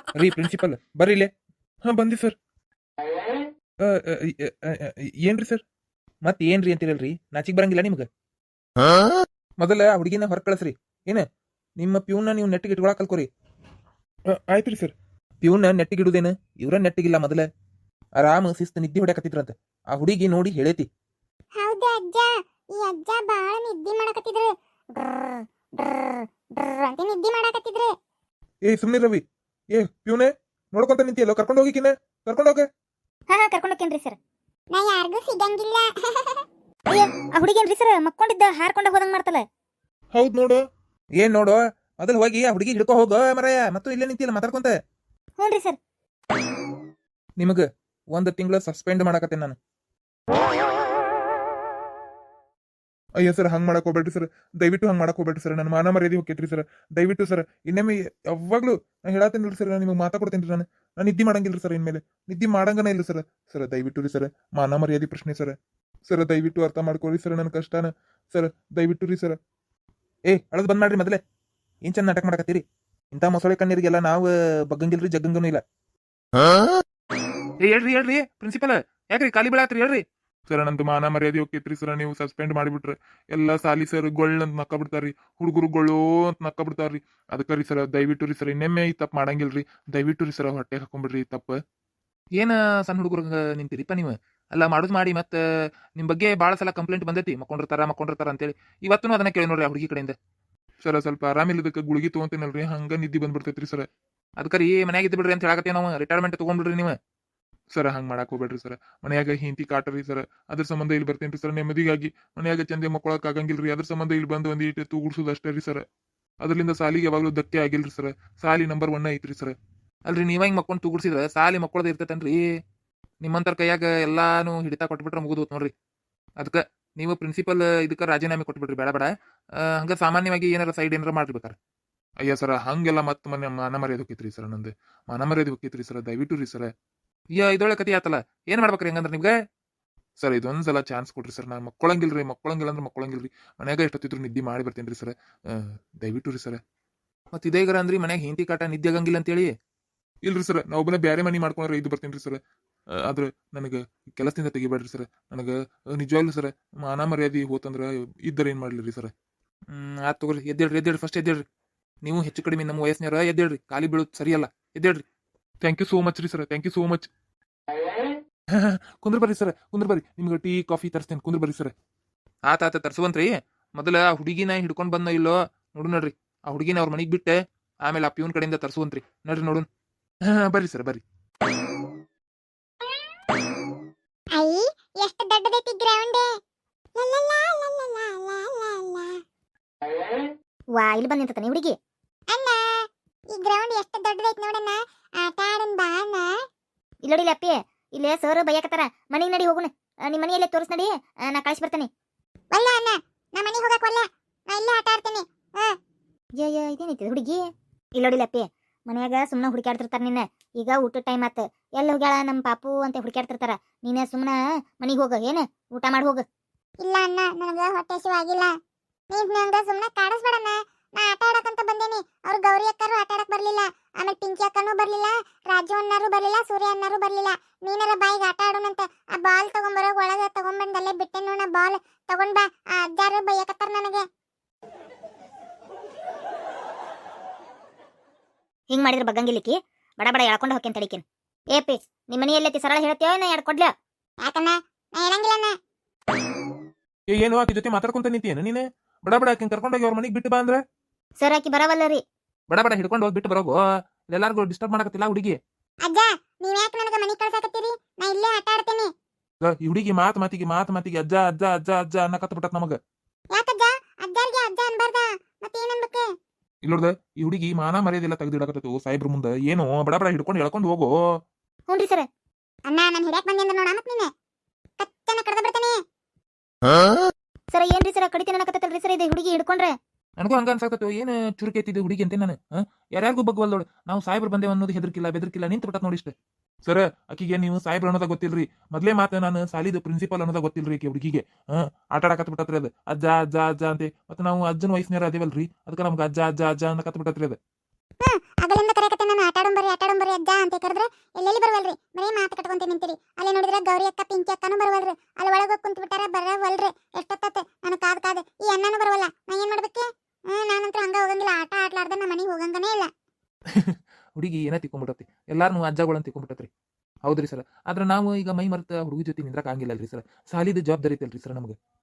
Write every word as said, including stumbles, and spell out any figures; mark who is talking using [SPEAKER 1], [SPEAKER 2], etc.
[SPEAKER 1] ರೀ ಪ್ರಿನ್ಸಿಪಲ್ ಬರ್ರಿ ಇಲ್ಲೇ. ಹಾ ಬಂದಿ ಸರ್. ಏನ್ರಿ ಸರ್? ಮತ್ ಏನ್ರಿ ಅಂತೀರಲ್ರಿ, ನಾಚಿಕ್ ಬರಂಗಿಲ್ಲ ನಿಮ್ಗೆ? ಮೊದಲ ಆ ಹುಡುಗಿನ ಹೊರ ಕಳಿಸ್ರಿ. ಏನ ನಿಮ್ಮ ಪ್ಯೂನ್ನ ನೀವು ನೆಟ್ಟಿಗೆ ಇಟ್ಕೊಳಕ್ ಕಲ್ಕೋರಿ. ಆಯ್ತ್ರಿ ಸರ್. ಪ್ಯೂನ್ನ ನೆಟ್ಟಿಗೆ ಇಡುದೇನು? ಇವ್ರ ನೆಟ್ಟಿಗಿಲ್ಲ. ಮೊದಲ ಆರಾಮ ಶಿಸ್ತು ನಿದ್ದೆ ಹೊಡ್ಯಾಕತ್ತಿದ್ರಂತ. ಆ ಹುಡುಗಿ ನೋಡಿ ಹೇಳೇತಿ.
[SPEAKER 2] ಹೌದಾ ಅಜ್ಜ, ಈ ಅಜ್ಜ ಬಾಳ ನಿದ್ದೆ ಮಾಡಕತ್ತಿದ್ರು. ಡ್ರ್ ಡ್ರ್ ಡ್ರ್ ಅಂತ ನಿದ್ದೆ ಮಾಡಕತ್ತಿದ್ರು.
[SPEAKER 1] ಏ ಸುಮ್ನಿ ರವಿ. ಏ ಪ್ಯೂನೆ ನೋಡ್ಕೊಂತ ನಿಂತಿಯಲ್ಲ, ಕರ್ಕೊಂಡು ಹೋಗಿಕಿನ ಕರ್ಕೊಂಡು ಹೋಗ.
[SPEAKER 2] ಹಾ ಹಾ ಕರ್ಕೊಂಡು ಹೋಗ್ತೇನ್ರಿ ಸರ್. ನಾ ಯಾರಿಗೂ ಸಿಗಂಗಿಲ್ಲ. ಅಯ್ಯೋ ಆ ಹುಡುಗೇನ್ರಿ ಸರ್ ಮಕ್ಕೊಂಡಿದ್ದ ಹಾರ್ಕೊಂಡ ಹೋದಂಗ್ ಮಾಡ್ತಲ್ಲ.
[SPEAKER 1] ಹೌದ್ ನೋಡು. ಏನ್ ನೋಡು, ಮೊದಲು ಹೋಗಿ ಆ ಹುಡುಗಿ ಹಿಡ್ಕೊ ಹೋಗ ಮರಯ್ಯ. ಮತ್ತು ಇಲ್ಲೇ ನಿಂತಿಲ್ಲ ಮಾತಾಡ್ಕೊಂತ.
[SPEAKER 2] ಹ್ಞೂನ್ರಿ ಸರ್.
[SPEAKER 1] ನಿಮಗ ಒಂದ್ ತಿಂಗಳ ಸಸ್ಪೆಂಡ್ ಮಾಡಕತ್ತೇನೆ ನಾನು. ಅಯ್ಯ ಸರ್, ಹಂಗ್ ಮಾಡಕ್ ಹೋಗ್ಬೇಡ್ರಿ ಸರ್. ದಯವಿಟ್ಟು ಹಂಗ್ ಮಾಡಕ್ ಹೋಗ್ಬೇಡ್ರಿ ಸರ್. ನನ್ನ ಮಾನ ಮರ್ಯಾದೆ ಹೋಗ್ತೈತ್ರಿ ಸರ್. ದಯವಿಟ್ಟು ಸರ್, ಇನ್ನೊಮ್ಮೆ ಯಾವಾಗ್ಲೂ ನಾ ಹೇಳತ್ತೇನಿಲ್ರಿ ಸರ್, ನಾನು ನಿಮಗೆ ಮಾತಾ ಕೊಡ್ತೇನ್ರಿ. ನಾನು ನಾನು ನಿದ್ದೆ ಮಾಡಂಗಿಲ್ರಿ ಸರ್. ಇನ್ಮೇಲೆ ನಿದ್ದೆ ಮಾಡಂಗನ ಇಲ್ಲ ಸರ್. ಸರ್ ದಯವಿಟ್ಟು ರೀ ಸರ್, ಮಾನ ಮರ್ಯಾದೆ ಪ್ರಶ್ನೆ ಸರ್. ಸರ್ ದಯವಿಟ್ಟು ಅರ್ಥ ಮಾಡ್ಕೊಳ್ರಿ ಸರ್ ನನ್ನ ಕಷ್ಟನ. ಸರ್ ದಯವಿಟ್ಟು ರೀ ಸರ್. ಏ ಅಳದ್ ಬಂದ್ ಮಾಡ್ರಿ ಮೊದಲೇ. ಏನ್ ಚಂದ ನಾಟಕ ಮಾಡಕತ್ತೀರಿ? ಇಂಥ ಮೊಸಳೆ ಕಣ್ಣೀರಿಗೆಲ್ಲ ನಾವು ಬಗ್ಗಂಗಿಲ್ರಿ, ಜಗ್ಗಂಗನೂ ಇಲ್ಲ. ಏ ಹೇಳ್ರಿ ಹೇಳ್ರಿ ಪ್ರಿನ್ಸಿಪಲ್, ಯಾಕ್ರಿ ಖಾಲಿ ಬೀಳಾತ್ರಿ? ಹೇಳ್ರಿ ಸರ್. ನಂದು ಮಾನ ಮರ್ಯಾದೆ ಹೋಗ್ತೈತ್ರಿ ಸರ್. ನೀವು ಸಸ್ಪೆಂಡ್ ಮಾಡಿಬಿಟ್ರೆ ಎಲ್ಲ ಸಾಲಿ ಸರ್ ಗೊಳ್ಳ ಅಂತ ನಕ್ಕ ಬಿಡ್ತಾರ್ರಿ. ಹುಡುಗರು ಗೊಳ್ಳೋ ಅಂತ ನಕ್ಕ ಬಿಡ್ತಾರ್ರಿ. ಅದಕ್ಕೆ ರೀ ಸರ್, ದಯವಿಟ್ಟು ರೀ ಸರ್, ಇನ್ನೊಮ್ಮೆ ಈ ತಪ್ಪು ಮಾಡಂಗಿಲ್ರಿ. ದಯವಿಟ್ಟು ರೀ ಸರ್, ಹೊಟ್ಟೆ ಹಾಕೊಂಡ್ಬಿಡ್ರಿ ತಪ್ಪು. ಏನ ಸಣ್ಣ ಹುಡುಗರು ನಿಂತಿರಿಪ್ಪ ನೀವು? ಅಲ್ಲ ಮಾಡೋದು ಮಾಡಿ ಮತ್ತೆ ನಿಮ್ಮ ಬಗ್ಗೆ ಭಾಳ ಸಲ ಕಂಪ್ಲೇಂಟ್ ಬಂದೈತಿ, ಮಕ್ಕೊಂಡಿರ್ತಾರ ಮಕ್ಕೊಂಡಿರ್ತಾರ ಅಂತೇಳಿ. ಇವತ್ತು ಅದನ್ನ ಕೇಳಿ ನೋಡ್ರಿ ಆ ಹುಡುಗಿ ಕಡೆಯಿಂದ. ಸರ್ ಸ್ವಲ್ಪ ಆರಾಮಿಲ್ಲದಕ್ಕೆ ಗುಳಿಗೆ ತೊಗೊಂತೀನಲ್ರಿ, ಹಂಗ ನಿದ್ದೆ ಬಂದ್ಬಿಡ್ತೈತ್ರಿ ಸರ್. ಅದಕ್ಕೆ ರೀ ಮನ್ಯಾಗ ಇದ್ದು ಬಿಡ್ರಿ ಅಂತ ಹೇಳಕತ್ತೀವಿ ನಾವು. ರಿಟೈರ್ಮೆಂಟ್ ತೊಗೊಂಡ್ಬಿಡ್ರಿ ನೀವು. ಸರ್ ಹಂಗೆ ಮಾಡಕ್ ಹೋಗ್ಬೇಡ್ರಿ ಸರ್. ಮನ್ಯಾಗ ಹಿಂತಿ ಕಾಟರಿ ಸರ್, ಅದ್ರ ಸಂಬಂಧ ಇಲ್ಲಿ ಬರ್ತೇನ್ರಿ ಸರ್. ನೆಮ್ಮದಿಗಾಗಿ ಮನ್ಯಾಗ ಚಂದೆ ಮಕ್ಕೊಳಕ್ ಆಗಂಗಿಲ್ರಿ. ಅದ್ರ ಸಂಬಂಧ ಇಲ್ಲಿ ಬಂದು ಒಂದ್ ಇಟ್ಟು ತೂಗುಡ್ಸೋದು ಅಷ್ಟೇ ರೀ ಸರ್. ಅದರಿಂದ ಸಾಲಿಗೆ ಯಾವಾಗ್ಲೂ ಧಕ್ಕೆ ಆಗಿಲ್ರಿ ಸರ್. ಸಾಲಿ ನಂಬರ್ ಒನ್ ಐತ್ರಿ ಸರ್. ಅಲ್ರಿ ನೀವ ಹಿಂಗ್ ಮಕ್ಕೊಂಡು ತೂಗುಡ್ಸಿದ್ರೆ ಸಾಲಿ ಮಕ್ಕಳದ ಇರ್ತೈತನ್ರಿ. ನಿಮ್ಮಂತರ ಕೈಯಾಗ ಎಲ್ಲಾನು ಹಿಡಿತಾ ಕೊಟ್ಬಿಟ್ರೆ ಮುಗಿದು ನೋಡ್ರಿ. ಅದಕ್ಕೆ ನೀವು ಪ್ರಿನ್ಸಿಪಲ್ ಇದಕ್ಕೆ ರಾಜೀನಾಮೆ ಕೊಟ್ಬಿಡ್ರಿ, ಬೇಡ ಬೇಡ. ಹಂಗ ಸಾಮಾನ್ಯವಾಗಿ ಏನಾರ ಸೈಡ್ ಏನಾರ ಮಾಡ್ಬೇಕಾರೆ. ಅಯ್ಯ ಸರ್, ಹಂಗೆಲ್ಲ ಮತ್ತೆ ಮನೆ ಮಾನ ಮರ್ಯಾದೆ ಹೋಗಿತ್ರಿ ಸರ್. ನಂದು ಮಾನ ಮರ್ಯಾದೆ ಹೋಗಿತ್ರಿ ಸರ್. ದಯವಿಟ್ಟು ರೀ ಸರ್. ಅಯ್ಯ ಇದೊಳ್ಳೆ ಕತಿ ಆತಲ್ಲ, ಏನ್ ಮಾಡ್ಬೇಕ್ರಿ ಹಂಗಂದ್ರೆ ನಿಮ್ಗೆ? ಸರ್ ಇದೊಂದ್ಸಲ ಚಾನ್ಸ್ ಕೊಡ್ರಿ ಸರ್. ನಾನು ಮಕ್ಕಳಂಗಿಲ್ರಿ, ಮಕ್ಕಳಂಗಿಲ್ಲ ಅಂದ್ರೆ ಮಕ್ಕಳಂಗಿಲ್ರಿ. ಮನ್ಯಾಗ ಎಷ್ಟೊತ್ತಿದ್ರು ನಿದ್ದೆ ಮಾಡಿ ಬರ್ತೇನ್ರಿ ಸರ್. ದಯವಿಟ್ಟು ರೀ ಸರ್. ಮತ್ತೆ ಇದೇಗರ ಅಂದ್ರಿ ಮನ್ಯಾಗ ಹಿಂತಿ ಕಾಟ ನಿದ್ದೆ ಆಗಂಗಿಲ್ಲ ಅಂತೇಳಿ? ಇಲ್ರಿ ಸರ್, ನಾ ಒಬ್ಬನೇ ಬೇರೆ ಮನಿ ಮಾಡ್ಕೊಂಡ್ರೆ ಇದು ಬರ್ತೇನ್ರಿ ಸರ್. ಆದ್ರೆ ನನಗೆ ಕೆಲಸದಿಂದ ತೆಗಿಬೇಡ್ರಿ ಸರ್. ನನಗೆ ನಿಜವಾಗ್ಲೂ ಸರ್ ಮಾನ ಮರ್ಯಾದೆ ಹೋತಂದ್ರ ಇದ್ದರೆ ಏನ್ ಮಾಡ್ಲಿ ಸರ್? ಹ್ಮ್ ಆತ್ ತಗೋರಿ, ಎದ್ದೇಳ್ರಿ ಎದ್ದೇಳ್ರಿ, ಫಸ್ಟ್ ಎದ್ದೇಳ್ರಿ. ನೀವು ಹೆಚ್ಚು ಕಡಿಮೆ ನಮ್ಮ ವಯಸ್ಸಿನಾರ, ಎದ್ದೇಳ್ರಿ. ಖಾಲಿ ಬೀಳೋದು ಸರಿಯಲ್ಲ, ಎದ್ದೇಳ್ರಿ. ಥ್ಯಾಂಕ್ ಯು ಸೋ ಮಚ್ ರೀ sir, thank you so much. ಕುಂದ್ರ ಬರ್ರಿ ಸರ್, ಕುಂದ್ರ ಬರ್ರಿ. ನಿಮ್ಗೆ ಟೀ ಕಾಫಿ ತರಿಸ್ತೇನೆ, ಕುಂದ್ರ ಬರ್ರಿ ಸರ್. ಆತ ಆತ ತರ್ಸುವಂತ್ರಿ. ಮೊದಲ ಆ ಹುಡುಗಿನ ಹಿಡ್ಕೊಂಡ್ ಬಂದ ಇಲ್ಲೋ ನೋಡು ನೋಡ್ರಿ. ಆ ಹುಡುಗಿನ ಅವ್ರ ಮನೆಗೆ ಬಿಟ್ಟೆ ಆಮೇಲೆ ಆ ಪ್ಯೂನ್ ಕಡೆಯಿಂದ ತರ್ಸುವಂತ್ರಿ. ನೋಡ್ರಿ ನೋಡು. ಬರ್ರಿ ಸರ್ ಬರ್ರಿ.
[SPEAKER 2] ಐ ಎಷ್ಟು ದೊಡ್ಡದೈತಿ ಗ್ರೌಂಡ್. ವಾ ಇಲ್ಲಿ ಬಂದ್ ನಿಂತಾನೆ ಹುಡುಗಿ. ಅಣ್ಣ ಈ ಗ್ರೌಂಡ್ ಎಷ್ಟು ದೊಡ್ಡದೈತಿ ನೋಡಣ್ಣ, ಆಟ ಆಡನ್ ಬಾ ಅಣ್ಣ. ಇಲ್ಲೋಡಿಲ್ಲ ಅಪ್ಪಿ, ಇಲ್ಲೇ ಸರ್ ಬೈಯಕತ್ತಾರ. ಮನೆಗೆ ನಡಿ ಹೋಗುಣ. ನಿಮ್ಮ ಮನೆಯಲ್ಲೇ ತೋರಿಸ್ ನಡಿ, ನಾ ಕಳಿಸಿ ಬರ್ತೇನೆ. ವಲ್ಲ ಅಣ್ಣ, ನಾ ಮನೆಗೆ ಹೋಗಕ್ ವಲ್ಲ, ನಾ ಇಲ್ಲೇ ಆಟ ಆಡ್ತೇನೆ. ಅಯ್ಯಯ್ಯ ಇದೇನೈತಿ ಹುಡುಗಿ. ಇಲ್ಲೋಡಿಲ್ಲ ಅಪ್ಪಿ, ಮನ್ಯಾಗ ಸುಮ್ಮನೆ ಹುಡುಕಾಡ್ತಿರ್ತಾರ. ನಿನ್ನ ಈಗ ಊಟ ಟೈಮ್ ಆತ, ಎಲ್ಲಿ ಹೋಗ್ಯಾಳ ನಮ್ಮ ಪಾಪು ಅಂತ ಹುಡುಕಾಡ್ತಿರ್ತಾರ. ನೀನೇ ಸುಮ್ಮನೆ ಮನೆಗೆ ಹೋಗ, ಏನು ಊಟ ಮಾಡಿ ಹೋಗ. ಇಲ್ಲ ಅಣ್ಣ, ನನಗೆ ಹೊಟ್ಟೆ ಹಸಿವಾಗಿಲ್ಲ. ನೀನ್ ನಂಗೆ ಸುಮ್ಮನೆ ಕಾಡಿಸ್ಬೇಡಣ್ಣ. ನಾ ಆಟ ಆಡಕಂತ ಬಂದೇನಿ. ಅವ್ರು ಗೌರಿ ಅಕ್ಕರು ಆಟ ಆಡಕ್ ಬರ್ಲಿಲ್ಲ, ಆಮೇಲೆ ಪಿಂಕಿ ಅಕ್ಕನೂ ಬರ್ಲಿಲ್ಲ, ರಾಜು ಅಣ್ಣಾರು ಬರ್ಲಿಲ್ಲ, ಸೂರ್ಯ ಅಣ್ಣಾರು ಬರ್ಲಿಲ್ಲ. ನೀನಾರ ಬಾಯಿಗೆ ಆಟ ಆಡೋಣಂತ ಆ ಬಾಲ್ ತಗೊಂಬರೋ ಒಳಗ ತಗೊಂಡ್ಬಂದ್ ಅಲ್ಲೇ ಬಿಟ್ಟೆ ನೋಡ. ಬಾಲ್ ತಗೊಂಡ್ ಬಾ. ಆ ಅಜ್ಜಾರು ಬೈಯಕತ್ತಾರ ನನಗೆ. ಹಿಂಗ್ ಮಾಡಿದ್ರೆ ಬಗ್ಗಂಗಿಲ್ಲಿಕ್ಕಿ ಬಡ ಬಡ ಎಳ್ಕೊಂಡು ಹೋಗ್ತೇನೆ ತಡಿಕೇನ್. ಏಪಿ ನಿಮ್ಮ ಮನೆಯಲ್ಲೈತಿ ಸರಳ ಹೇಳ್ತೇವ ನಾ ಎಡ್ಕೊಡ್ಲ? ಯಾಕಣ್ಣ ನಾ ಹೇಳಂಗಿಲ್ಲಣ್ಣ.
[SPEAKER 1] ಏನು ಆಕಿ ಜೊತೆ ಮಾತಾಡ್ಕೊಂತ ನಿಂತಿಯೇನ ನೀನೆ? ಬಡ ಬಡ ಆಕಿನ ಕರ್ಕೊಂಡೋಗಿ ಅವ್ರ ಮನೆಗೆ ಬಿಟ್ಟು ಬಾ ಅಂದ್ರೆ
[SPEAKER 2] ಸರ್ ಆಕಿ ಬರವಲ್ಲ ರೀ.
[SPEAKER 1] ಬಡ ಬಡ ಹಿಡ್ಕೊಂಡು ಹೋಗಿ ಬಿಟ್ಟು ಬರೋಗು. ಎಲ್ಲಾರ್ಗು ಡಿಸ್ಟರ್ಬ್ ಮಾಡಕತ್ತಿಲ್ಲ ಹುಡುಗಿ.
[SPEAKER 2] ಅಜ್ಜ ನೀವ್ ಯಾಕೆ ನನಗೆ ಮನೆ ಕಳ್ಸಾಕತ್ತೀರಿ? ನಾ ಇಲ್ಲೇ ಆಟ ಆಡ್ತೇನೆ.
[SPEAKER 1] ಈ ಹುಡುಗಿ ಮಾತ್ ಮಾತಿಗೆ ಮಾತ್ ಮಾತಿಗೆ ಅಜ್ಜ ಅಜ್ಜ ಅಜ್ಜ ಅಜ್ಜ ಅನ್ನಕತ್ತ ಬಿಟ್ಟತ್ ನಮಗ.
[SPEAKER 2] ಯಾಕಜ್ಜ ಅಜ್ಜಾರ್ಗೆ ಅಜ್ಜ ಅನ್ಬಾರ್ದ? ಮತ್ತೆ ಏನನ್ಬೇಕು?
[SPEAKER 1] ಇಲ್ಲೋಡ್ದ ಈ ಹುಡುಗಿ ಮಾನ ಮರ್ಯಾದೆಲ್ಲ ತೆಗೆದಿಡಕತ್ತು ಸಾಯಿಬ್ರ ಮುಂದೆ. ಏನು ಬಡ ಬಡ ಹಿಡ್ಕೊಂಡು ಎಳ್ಕೊಂಡು ಹೋಗು.
[SPEAKER 2] ಹ್ಞೂ ಸರ್. ಅಣ್ಣ ನಾನು ಹಿಡಿಯಕ್ ಬಂದೆ ಅಂದ್ರೆ ನೋಡ ಮತ್ ನೀನೆ ಕಚ್ಚನ ಕಡ್ದ ಬಿಡ್ತಾನೆ. ಸರ್ ಏನ್ರಿ ಸರ್ ಕಡಿತೀನಿ ಅನ್ನಕತ್ತಲ್ರಿ ಸರ್ ಇದು ಹುಡುಗಿ ಹಿಡ್ಕೊಂಡ್ರೆ?
[SPEAKER 1] ನನಗೂ ಹಂಗ ಅನ್ಸಾಕತ್ತು. ಏನು ಚುರುಕೆ ಎತ್ತಿದ್ದು ಹುಡುಗಿ ಅಂತ ನಾನು. ಯಾರ್ಯಾರಿಗೂ ಬಗ್ವಲ್ ನೋಡು. ನಾವು ಸಾಯಿಬ್ರು ಬಂದೇವ ಅನ್ನೋದು ಹೆದರ್ಕಿಲ್ಲ ಬೆದರ್ಕಿಲ್ಲ ನಿಂತು ಬಿಟ್ಟತ್ ನೋಡಿ ಇಷ್ಟ. ಸರ್ ಆಕಿಗೆ ನೀವು ಸಾಯಿಬ್ರು ಅನ್ನೋದ ಗೊತ್ತಿಲ್ರಿ. ಮೊದ್ಲೇ ಮಾತು ನಾನು ಸಾಲಿದು ಪ್ರಿನ್ಸಿಪಲ್ ಅನ್ನೋದ ಗೊತ್ತಿಲ್ರಿ ಆಕೆ ಹುಡುಗಿಗೆ. ಹ್ಮ್ ಆಟ ಆಡಕತ್ ಬಿಟ್ಟತ್ರಿ ಅದು. ಅಜ್ಜ ಅಜ್ಜ ಅಜ್ಜ ಅಂತೆ. ಮತ್ತೆ ನಾವು ಅಜ್ಜನ ವಯಸ್ಸಿನಾರ ಅದೇವಲ್ರಿ, ಅದಕ್ಕೆ ನಮ್ಗೆ ಅಜ್ಜ ಅಜ್ಜ ಅಜ್ಜ ಅನ್ನಕತ್ ಬಿಟ್ಟತ್ರಿ ಅದು.
[SPEAKER 2] ಹ್ಮ್ ಆಗಲಿಂದ ಕರೆಕತ್ತೆ ನಾನು ಆಟ ಆಟಾಡಂಬರಿ ಆಟಾಡಂಬರಿ ಅಜ್ಜ ಅಂತ ಕರೆದ್ರೆ ಎಲ್ಲೆಲ್ಲಿ ಬರವಲ್ರಿ ಬರೀ ಮಾತು ಕಟ್ಕೊಂತ ನಿಂತೀರಿ. ಅಲ್ಲಿ ನೋಡಿದ್ರೆ ಗೌರಿ ಅಕ್ಕ ಪಿಂಕಿ ಅಕ್ಕನೂ ಬರವಲ್ರಿ. ಅಲ್ಲಿ ಒಳಗೆ ಹೋಗಿ ಕುಂತು ಬಿಟ್ಟಾರ ಬರವಲ್ರಿ. ಎಷ್ಟೊತ್ತತ್ತೆ ನಾನು ಕಾದ್ ಕಾದ್ ಈ ಅಣ್ಣನೂ ಬರವಲ್ಲ. ನಾ ಏನ್ ಮಾಡ್ಬೇಕು? ಹ್ಮ್ ನಾನಂತೂ ಹಂಗ ಹೋಗಂಗಿಲ್ಲ. ಆಟ ಆಡ್ಲಾರ್ದ ನಮ್ಮ ಮನೆಗೆ ಹೋಗಂಗನೇ ಇಲ್ಲ.
[SPEAKER 3] ಹುಡುಗಿ ಏನ ತಿಕ್ಕೊಂಬಿಟ್ಟತಿ ಎಲ್ಲಾರನು ಅಜ್ಜಗಳನ್ನ ತಿಕ್ಕೊಂಬಿಟ್ಟತ್ರಿ. ಹೌದ್ರಿ ಸರ್. ಆದ್ರೆ ನಾವು ಈಗ ಮೈ ಮರ್ತ ಹುಡುಗಿ ಜೊತೆ ನಿಂದ್ರಕ್ ಆಗಿಲ್ಲಲ್ರಿ ಸರ್. ಸಾಲಿದ ಜವಾಬ್ದಾರಿ ಐತಲ್ರಿ ಸರ್ ನಮ್ಗೆ.